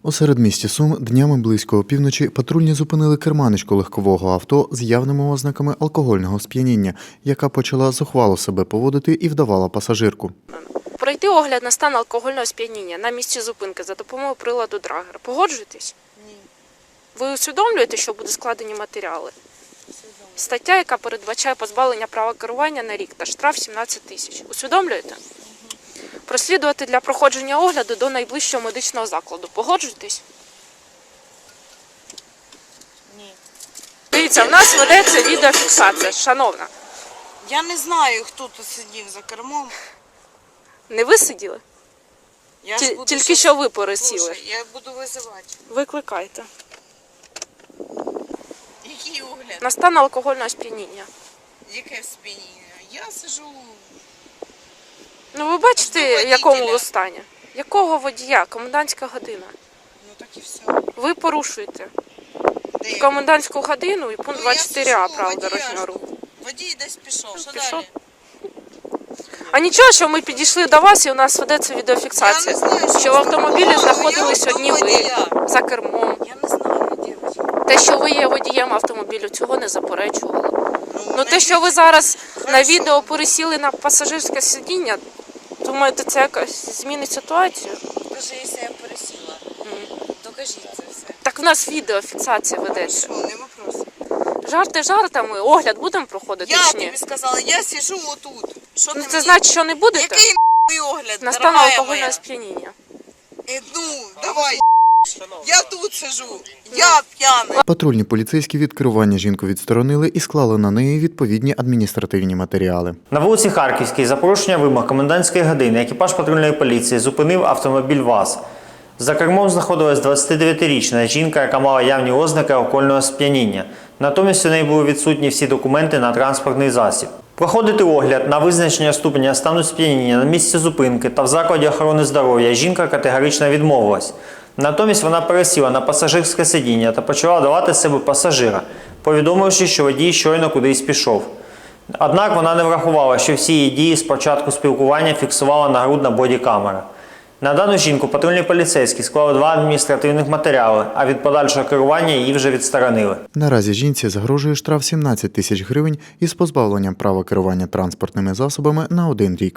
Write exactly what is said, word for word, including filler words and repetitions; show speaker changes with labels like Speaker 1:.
Speaker 1: У середмісті Сум днями близько опівночі патрульні зупинили керманичку легкового авто з явними ознаками алкогольного сп'яніння, яка почала зухвало себе поводити і вдавала пасажирку.
Speaker 2: Пройти огляд на стан алкогольного сп'яніння на місці зупинки за допомогою приладу Драгер. Погоджуєтесь?
Speaker 3: Ні.
Speaker 2: Ви усвідомлюєте, що будуть складені матеріали? Стаття, яка передбачає позбавлення права керування на рік та штраф сімнадцять тисяч. Усвідомлюєте? Угу. Прослідувати для проходження огляду до найближчого медичного закладу. Погоджуєтесь?
Speaker 3: Ні.
Speaker 2: Дивіться, в нас ведеться відеофіксація, шановна.
Speaker 3: Я не знаю, хто тут сидів за кермом.
Speaker 2: Не ви сиділи?
Speaker 3: Я
Speaker 2: Ті-
Speaker 3: ж буду
Speaker 2: Тільки
Speaker 3: щас-
Speaker 2: що ви пересіли.
Speaker 3: Слушай, я буду визивати.
Speaker 2: Викликайте.
Speaker 3: Який огляд?
Speaker 2: На стан алкогольного сп'яніння.
Speaker 3: Яке сп'яніння? Я сижу.
Speaker 2: Ну ви бачите,
Speaker 3: Жду
Speaker 2: в якому
Speaker 3: водителя.
Speaker 2: ви стані? Якого водія? Комендантська година.
Speaker 3: Ну так і все.
Speaker 2: Ви порушуєте
Speaker 3: Де?
Speaker 2: комендантську годину і пункт
Speaker 3: Ну,
Speaker 2: двадцять чотири а
Speaker 3: я сижу,
Speaker 2: правил
Speaker 3: водія
Speaker 2: дорожнього
Speaker 3: жду.
Speaker 2: руху.
Speaker 3: Водій десь пішов. Що
Speaker 2: Пішов.
Speaker 3: далі?
Speaker 2: А нічого, що ми підійшли до вас і у нас ведеться відеофіксація.
Speaker 3: Я не знаю, що
Speaker 2: Що в автомобілі
Speaker 3: це.
Speaker 2: знаходились
Speaker 3: Я
Speaker 2: одні ви
Speaker 3: водія.
Speaker 2: за кермом.
Speaker 3: Я не знаю, дівчинка.
Speaker 2: Те, що ви є водієм автомобілю, цього не заперечували. Ну
Speaker 3: не
Speaker 2: те, що ви зараз на
Speaker 3: Хорошо.
Speaker 2: відео пересіли на пасажирське сидіння, думаєте, це якось змінить ситуацію?
Speaker 3: Даже якщо я пересіла, докажіть це все.
Speaker 2: Так в нас відеофіксація ведеться.
Speaker 3: Що, не вопрос.
Speaker 2: Жарти жартами, огляд будемо проходити
Speaker 3: Я
Speaker 2: чи ні?
Speaker 3: тобі сказала, я сижу отут. Що
Speaker 2: Ну
Speaker 3: ти
Speaker 2: це
Speaker 3: мені-
Speaker 2: значить, що не будете?
Speaker 3: Який нахуй огляд,
Speaker 2: На стан
Speaker 3: дорогая
Speaker 2: алкогольного
Speaker 3: моя?
Speaker 2: сп'яніння.
Speaker 3: Е, Ну, давай. Я тут сижу. Я п'яний.
Speaker 1: Патрульні поліцейські від керування жінку відсторонили і склали на неї відповідні адміністративні матеріали.
Speaker 4: На вулиці Харківській за порушення вимог комендантської години екіпаж патрульної поліції зупинив автомобіль ВАЗ. За кермом знаходилась двадцятидев'ятирічна жінка, яка мала явні ознаки алкогольного сп'яніння. Натомість у неї були відсутні всі документи на транспортний засіб. Проходити огляд на визначення ступеня стану сп'яніння на місці зупинки та в закладі охорони здоров'я жінка категорично відмовилась. Натомість вона пересіла на пасажирське сидіння та почала давати з себе пасажира, повідомивши, що водій щойно кудись пішов. Однак вона не врахувала, що всі її дії з початку спілкування фіксувала нагрудна бодікамера. На дану жінку патрульні поліцейські склали два адміністративних матеріали, а від подальшого керування її вже відсторонили.
Speaker 1: Наразі жінці загрожує штраф сімнадцять тисяч гривень із позбавленням права керування транспортними засобами на один рік.